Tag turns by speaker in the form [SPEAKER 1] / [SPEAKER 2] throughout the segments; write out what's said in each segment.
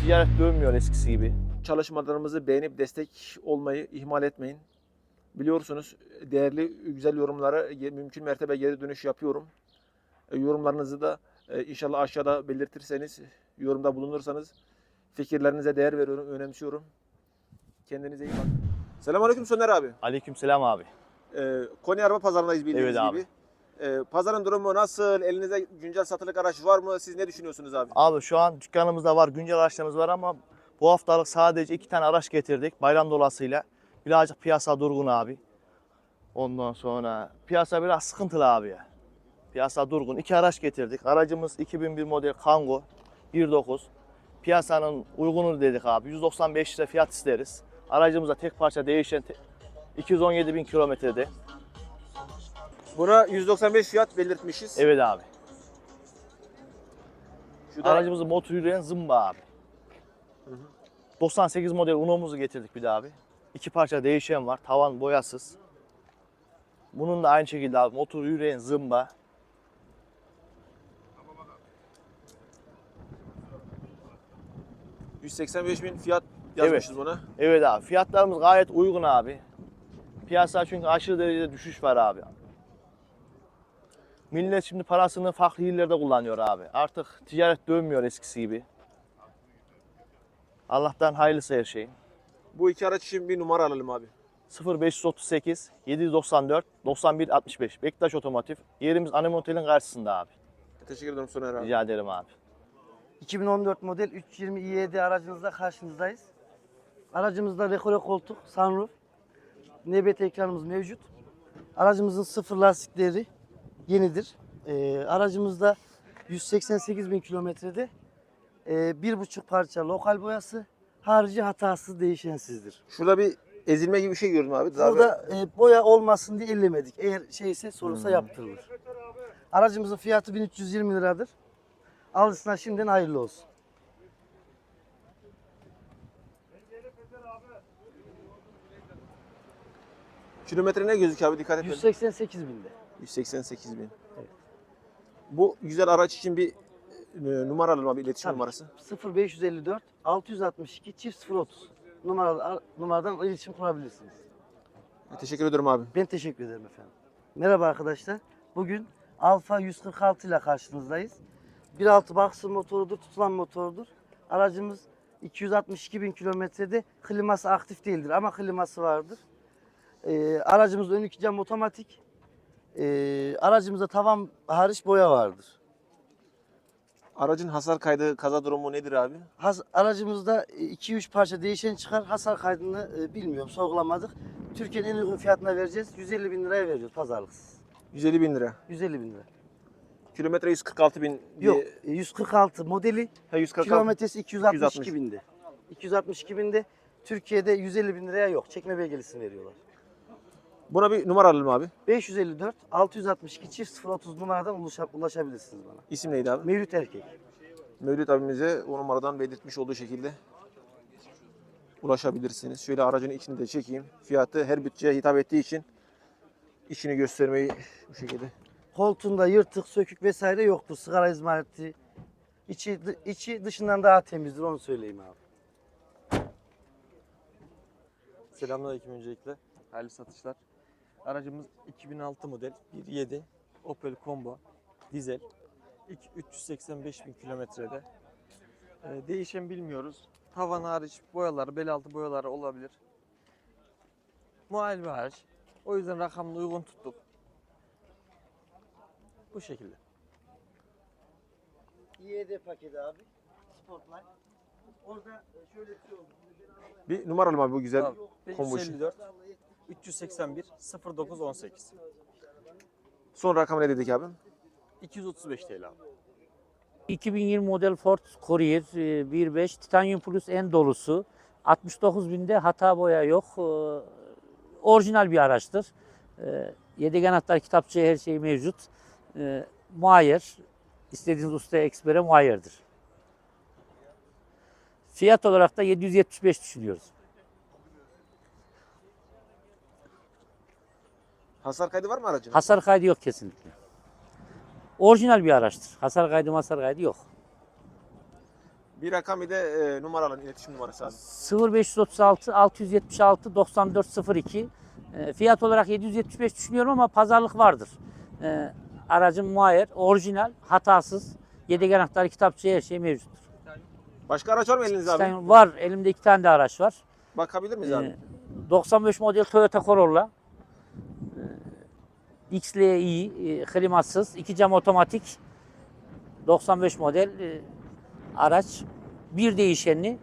[SPEAKER 1] ticaret dönmüyor eskisi gibi.
[SPEAKER 2] Çalışmalarımızı beğenip destek olmayı ihmal etmeyin. Biliyorsunuz değerli, güzel yorumlara mümkün mertebe geri dönüş yapıyorum. Yorumlarınızı da inşallah aşağıda belirtirseniz, yorumda bulunursanız fikirlerinize değer veriyorum, önemsiyorum. Kendinize iyi bakın. Selamünaleyküm Soner abi.
[SPEAKER 1] Aleykümselam abi.
[SPEAKER 2] Konya Araba Pazarı'ndayız bildiğiniz
[SPEAKER 1] Evet abi.
[SPEAKER 2] gibi. Pazarın durumu nasıl? Elinizde güncel satılık araç var mı? Siz ne düşünüyorsunuz abi?
[SPEAKER 1] Abi şu an dükkanımızda var, güncel araçlarımız var ama bu haftalık sadece 2 tane araç getirdik bayram dolayısıyla. Birazcık piyasa durgun abi. Ondan sonra piyasa biraz sıkıntılı abi ya. Piyasa durgun. 2 araç getirdik. Aracımız 2001 model Kangoo 1.9. Piyasanın uygunu dedik abi. 195 lira fiyat isteriz. Aracımızda tek parça değişen 217 bin kilometrede.
[SPEAKER 2] Buna 195 fiyat belirtmişiz.
[SPEAKER 1] Evet abi.
[SPEAKER 2] Şu da
[SPEAKER 1] Aracımızın motor yürüyen zımba abi. 98 model Uno'muzu getirdik bir de abi. 2 parça değişen var. Tavan boyasız. Bunun da aynı şekilde abi motor yürüyen zımba.
[SPEAKER 2] $185.000 fiyat yazmışız buna.
[SPEAKER 1] Evet abi. Fiyatlarımız gayet uygun abi. Piyasa çünkü aşırı derecede düşüş var abi. Millet şimdi parasını farklı yerlerde kullanıyor abi. Artık ticaret dönmüyor eskisi gibi. Allah'tan hayırlısı her şey.
[SPEAKER 2] Bu iki araç için bir numara alalım abi.
[SPEAKER 1] 0538 794 91 65 Bektaş Otomotiv. Yerimiz Anem Otel'in karşısında abi.
[SPEAKER 2] Teşekkür ederim Soner abi.
[SPEAKER 1] Rica ederim abi.
[SPEAKER 3] 2014 model 320 i7 aracınızla karşınızdayız. Aracımızda rekore koltuk, sunroof, NBT ekranımız mevcut. Aracımızın sıfır lastikleri yenidir. Aracımızda 188 bin kilometrede 1,5 parça lokal boyası, harici hatasız değişensizdir.
[SPEAKER 2] Şurada bir ezilme gibi bir şey gördüm abi.
[SPEAKER 3] Burada boya olmasın diye ellemedik. Eğer şeyse sorulsa yaptırılır. Aracımızın fiyatı 1320 liradır. Alıcısına şimdiden hayırlı olsun.
[SPEAKER 2] Kilometre ne gözüküyor abi, dikkat et.
[SPEAKER 3] 188 binde.
[SPEAKER 2] 188.000.
[SPEAKER 3] Evet.
[SPEAKER 2] Bu güzel araç için bir numara alalım abi, iletişim
[SPEAKER 3] Tabii.
[SPEAKER 2] numarası.
[SPEAKER 3] 0554 662 çift 030 numaradan iletişim kurabilirsiniz.
[SPEAKER 2] Teşekkür ederim abi.
[SPEAKER 3] Ben teşekkür ederim efendim. Merhaba arkadaşlar. Bugün Alfa 146 ile karşınızdayız. 1.6 boxer motorudur, tutulan motorudur. Aracımız 262 bin kilometrede, kliması aktif değildir ama kliması vardır. Aracımızda ön iki cam otomatik. Aracımızda tavan hariç boya vardır.
[SPEAKER 2] Aracın hasar kaydı, kaza durumu nedir abi?
[SPEAKER 3] Aracımızda 2-3 parça değişen çıkar. Hasar kaydını bilmiyorum, sorgulamadık. Türkiye'nin en uygun fiyatına vereceğiz. 150 bin liraya veriyoruz pazarlıksız.
[SPEAKER 2] 150.000 lira.
[SPEAKER 3] 150 bin lira.
[SPEAKER 2] Kilometre 146.000 diye.
[SPEAKER 3] Yok, 146 modeli,
[SPEAKER 2] 146.
[SPEAKER 3] kilometresi 262 binde. 262 binde. Türkiye'de 150 bin liraya yok. Çekme belgelisini veriyorlar.
[SPEAKER 2] Buna bir numara alalım abi.
[SPEAKER 3] 554 662 çift 030 numaradan ulaşabilirsiniz bana.
[SPEAKER 2] İsim neydi abi?
[SPEAKER 3] Mevlüt Erkek.
[SPEAKER 2] Mevlüt abimize o numaradan belirtmiş olduğu şekilde ulaşabilirsiniz. Şöyle aracın içini de çekeyim. Fiyatı her bütçeye hitap ettiği için içini göstermeyi bu şekilde.
[SPEAKER 3] Koltuğunda yırtık, sökük vesaire yoktur. Sigara izmariti. İçi dışından daha temizdir, onu söyleyeyim abi.
[SPEAKER 4] Selamünaleyküm öncelikle. Hayırlı satışlar. Aracımız 2006 model 1.7 Opel Combo dizel. 385 bin kilometrede. Değişen bilmiyoruz. Tavan hariç boyaları, bel altı boyaları olabilir. Muayene hariç. O yüzden rakamını uygun tuttuk. Bu şekilde.
[SPEAKER 3] İED paketi abi. Sportline. Orada şöyle bir şey oldu.
[SPEAKER 2] Bir numara alalım abi bu güzel
[SPEAKER 4] Tamam.
[SPEAKER 2] combo için.
[SPEAKER 4] 554 381 09 18
[SPEAKER 2] Son rakam ne dedik abi?
[SPEAKER 4] 235 TL abi.
[SPEAKER 5] 2020 model Ford Courier 1.5 Titanium Plus en dolusu. 69 binde hata boya yok. Orijinal bir araçtır. Yedek anahtar, kitapçı, her şey mevcut. Muayyer. İstediğiniz ustaya, ekspere muayyerdir. Fiyat olarak da 775 düşünüyoruz.
[SPEAKER 2] Hasar kaydı var mı aracın?
[SPEAKER 5] Hasar kaydı yok kesinlikle. Orijinal bir araçtır. Hasar kaydı yok.
[SPEAKER 2] Bir rakam bir de numaralı iletişim numarası abi.
[SPEAKER 5] 0536 676 9402. Fiyat olarak 775 düşünüyorum ama pazarlık vardır. Aracım muayyer, orijinal, hatasız. Yedek anahtarı, kitapçı, her şey mevcuttur.
[SPEAKER 2] Başka araç var mı elinizde abi?
[SPEAKER 5] Var, elimde 2 tane de araç var.
[SPEAKER 2] Bakabilir miyiz abi?
[SPEAKER 5] 95 model Toyota Corolla. XLI, klimasız, 2 cam otomatik. 95 model araç. Bir değişenli.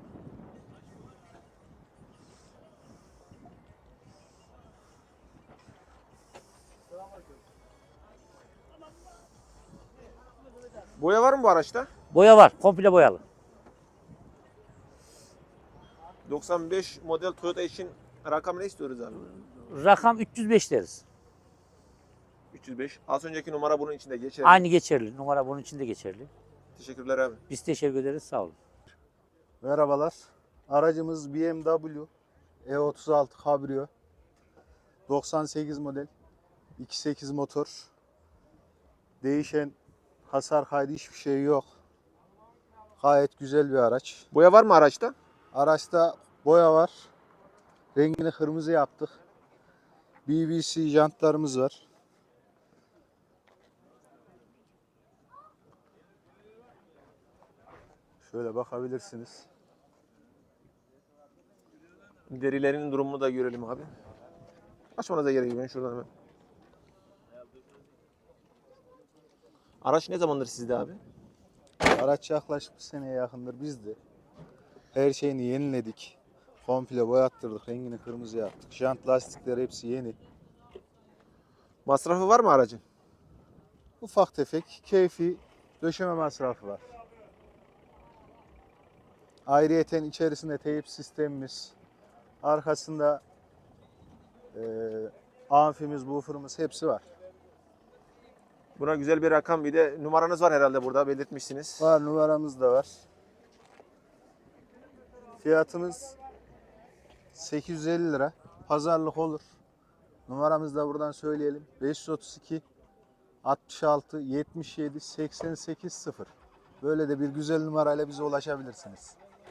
[SPEAKER 2] Boya var mı bu araçta?
[SPEAKER 5] Boya var, komple boyalı.
[SPEAKER 2] 95 model Toyota için rakam ne istiyoruz abi?
[SPEAKER 5] Rakam 305 deriz.
[SPEAKER 2] 305. Az önceki numara bunun içinde geçerli.
[SPEAKER 5] Aynı geçerli. Numara bunun için de geçerli.
[SPEAKER 2] Teşekkürler abi.
[SPEAKER 5] Biz teşekkür ederiz. Sağ olun.
[SPEAKER 6] Merhabalar. Aracımız BMW E36 Cabrio. 98 model. 2.8 motor. Değişen hasar kaydı hiçbir şey yok. Gayet güzel bir araç.
[SPEAKER 2] Boya var mı araçta?
[SPEAKER 6] Araçta boya var. Rengini kırmızı yaptık. BBC jantlarımız var. Şöyle bakabilirsiniz.
[SPEAKER 2] Derilerin durumunu da görelim abi. Açmanıza gerek yok. Ben şuradan hemen. Araç ne zamandır sizde abi?
[SPEAKER 6] Araç yaklaşık bir seneye yakındır bizde. Her şeyini yeniledik. Komple boyattırdık. Rengini kırmızı yaptık. Jant, lastikler hepsi yeni.
[SPEAKER 2] Masrafı var mı aracın?
[SPEAKER 6] Ufak tefek keyfi döşeme masrafı var. Ayrıyeten içerisinde teyip sistemimiz, arkasında amfimiz, buffer'ımız hepsi var.
[SPEAKER 2] Buna güzel bir rakam, bir de numaranız var herhalde burada belirtmişsiniz.
[SPEAKER 6] Var, numaramız da var. Fiyatımız 850 lira. Pazarlık olur. Numaramızı da buradan söyleyelim. 532 66 77 88 0. Böyle de bir güzel numarayla bize ulaşabilirsiniz.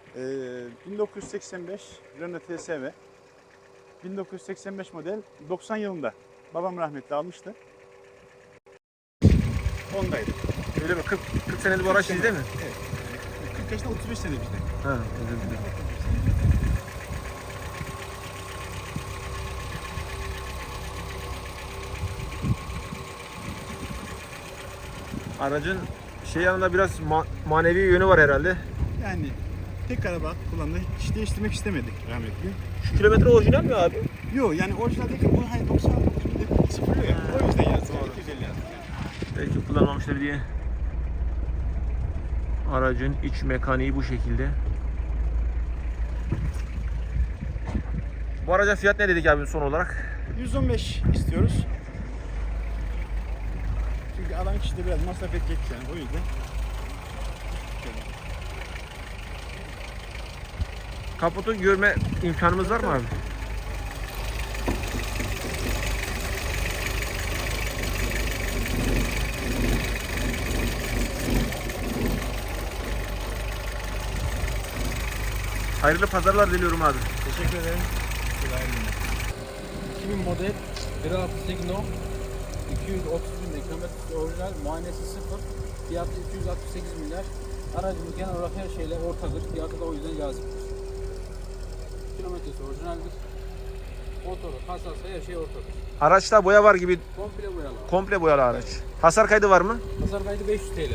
[SPEAKER 7] 1985 Renault TSV. 1985 model 90 yılında babam rahmetli almıştı. Ondaydı.
[SPEAKER 2] Öyle mi? 40 senedir bu araç sizde mi?
[SPEAKER 7] Evet. 40 yaşında 35 sene bizde.
[SPEAKER 2] Ha, özür dilerim. Aracın yanında biraz manevi yönü var herhalde.
[SPEAKER 7] Yani tek araba kullandı. Hiç değiştirmek istemedik rahmetli.
[SPEAKER 2] Şu kilometre orijinal mi abi?
[SPEAKER 7] Yok yani orijinal değil ki bu hani 99 binde sıfırlıyor ya. O yüzden yazdık. Yani 250 yazdık.
[SPEAKER 2] Belki kullanmamıştır diye. Aracın iç mekaniği bu şekilde. Bu araca fiyat ne dedik abi son olarak?
[SPEAKER 7] 115 istiyoruz. Çünkü adam kişide biraz masraf edecek yani o yüzden.
[SPEAKER 2] Kaputu görme imkanımız var mı abi? Hayırlı pazarlar diliyorum abi.
[SPEAKER 7] Teşekkür ederim.
[SPEAKER 8] 2000 model 1.6 Signo 230 bin kilometre orijinal, muayenesi sıfır, fiyatı 268 milyar. Aracımız genel olarak her şeyle ortadır, fiyatı da o yüzden caziptir. Kilometresi orijinaldir. Motoru, kasası, her şey ortadır.
[SPEAKER 2] Araçta boya var gibi,
[SPEAKER 8] Komple boyalı.
[SPEAKER 2] komple boyalı araç. Hasar kaydı var mı?
[SPEAKER 8] Pazar kaydı 500 TL.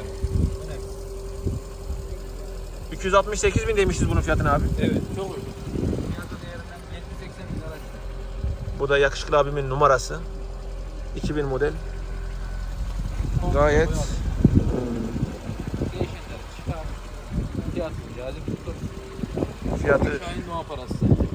[SPEAKER 2] 268 bin demişiz bunun fiyatına abi.
[SPEAKER 8] Evet, çok uygun. Fiyatı değerinden 70-80 bin araç.
[SPEAKER 2] Bu da yakışıklı abimin numarası. 2000 model.
[SPEAKER 8] Komple
[SPEAKER 2] Gayet
[SPEAKER 8] boyalı. Değişenler çıkar. Fiyatı cazip tutur.
[SPEAKER 2] fiyatı.
[SPEAKER 8] Şahin Doğa parası.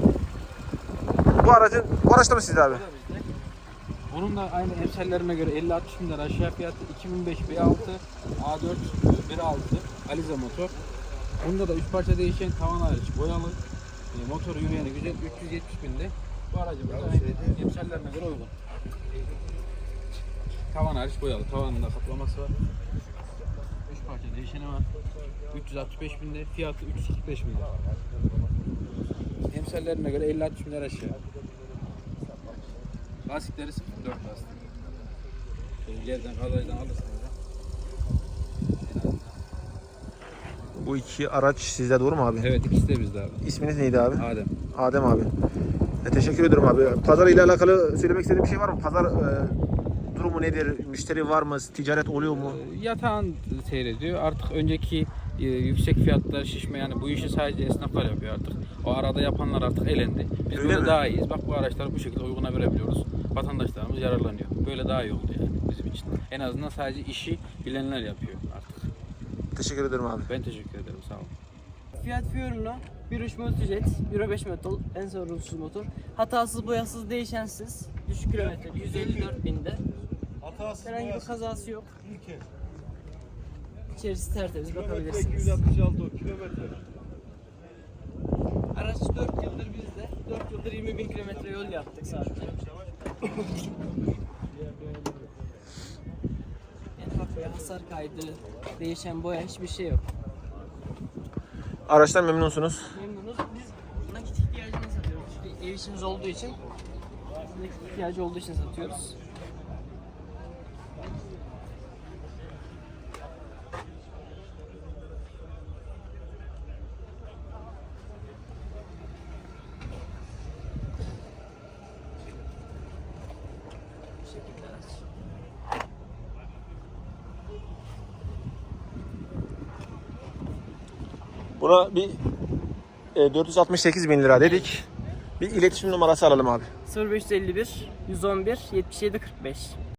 [SPEAKER 2] Bu araçta mı sizde abi?
[SPEAKER 8] Bu da bizde. Bunun da aynı emsallerine göre 50-60 bin lira aşağı fiyatı 2005 B6 A4 1.6 Alize motor. Bunda da 3 parça değişen tavan hariç boyalı. Motor yürüyeni güzel 370 binde. Bu aracımız da aynı emsallerine göre uygun. Tavan hariç boyalı. Tavanında kaplaması var. 3 parça değişeni var. 365 bin lira, fiyatı 345 milyar. Emsallerine göre 50-60 milyar aşağı. Lastikleri 0.4 lastik. Yerden, kalaydan alırsınız.
[SPEAKER 2] Bu iki araç sizde, doğru mu abi?
[SPEAKER 8] Evet, ikisi de bizde abi.
[SPEAKER 2] İsminiz neydi abi?
[SPEAKER 8] Adem.
[SPEAKER 2] Adem abi. Teşekkür ederim abi. Pazar ile alakalı söylemek istediğim bir şey var mı? Pazar durumu nedir? Müşteri var mı? Ticaret oluyor mu?
[SPEAKER 8] Yatağın seyrediyor. Artık önceki yüksek fiyatlar şişme, yani bu işi sadece esnaflar yapıyor artık. O arada yapanlar artık elendi. Biz
[SPEAKER 2] Öyle
[SPEAKER 8] böyle
[SPEAKER 2] mi?
[SPEAKER 8] daha iyiyiz. Bak, bu araçları bu şekilde uyguna verebiliyoruz. Vatandaşlarımız yararlanıyor. Böyle daha iyi oldu yani bizim için. En azından sadece işi bilenler yapıyor artık.
[SPEAKER 2] Teşekkür ederim abi.
[SPEAKER 8] Ben teşekkür ederim. Sağ olun.
[SPEAKER 9] Fiat Fiorino 1.3 Multijet, Euro 5 motor, en sorunsuz motor. Hatasız, boyasız, değişensiz. Düşük kilometre, 154 binde. Herhangi bir kazası yok. İçerisi tertemiz, bakabilirsiniz.
[SPEAKER 7] 166 kilometre.
[SPEAKER 9] Araç 4 yıldır bizde. 4 yıldır 20.000 kilometre yol yaptık sadece. En ufak bir hasar kaydı, değişen boya, hiçbir şey yok.
[SPEAKER 2] Araçtan memnunsunuz.
[SPEAKER 9] Memnunuz. Biz nakit ihtiyacını satıyoruz. İşte ev işimiz olduğu için nakit ihtiyacı olduğu için satıyoruz. Bu şekilde araç.
[SPEAKER 2] Buna bir 468 bin lira dedik. Bir iletişim numarası alalım abi.
[SPEAKER 9] 0551 111 77 45.